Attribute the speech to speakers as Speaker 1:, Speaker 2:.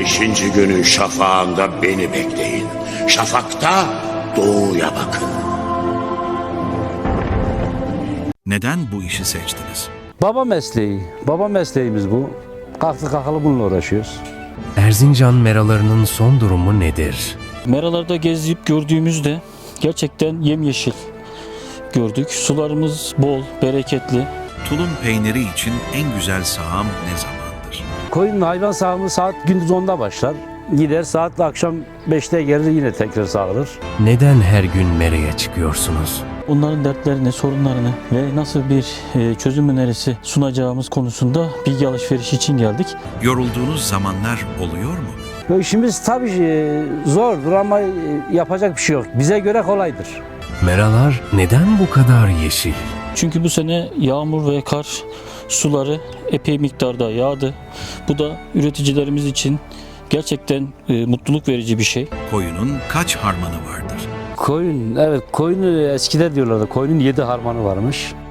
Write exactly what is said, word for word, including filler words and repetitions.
Speaker 1: Beşinci günün şafağında beni bekleyin. Şafakta doğuya bakın.
Speaker 2: Neden bu işi seçtiniz?
Speaker 3: Baba mesleği, baba mesleğimiz bu. Kalktı kalkalı bununla uğraşıyoruz.
Speaker 4: Erzincan meralarının son durumu nedir?
Speaker 5: Meralarda gezip gördüğümüzde gerçekten yemyeşil gördük. Sularımız bol, bereketli.
Speaker 2: Tulum peyniri için en güzel sağım ne zamandır?
Speaker 3: Koyunun hayvan sağımı saat gündüz onda başlar. Gider saat akşam beşte gelir yine tekrar sağılır.
Speaker 4: Neden her gün meraya çıkıyorsunuz?
Speaker 5: Onların dertlerini, sorunlarını ve nasıl bir e, çözüm önerisi sunacağımız konusunda bilgi alışverişi için geldik.
Speaker 2: Yorulduğunuz zamanlar oluyor mu?
Speaker 3: Bu işimiz tabii e, zordur ama e, yapacak bir şey yok. Bize göre kolaydır.
Speaker 4: Meralar neden bu kadar yeşil?
Speaker 5: Çünkü bu sene yağmur ve kar suları epey miktarda yağdı. Bu da üreticilerimiz için gerçekten e, mutluluk verici bir şey.
Speaker 2: Koyunun kaç harmanı vardır?
Speaker 3: Koyun, evet koyun eskide diyorlardı. Koyunun yedi harmanı varmış.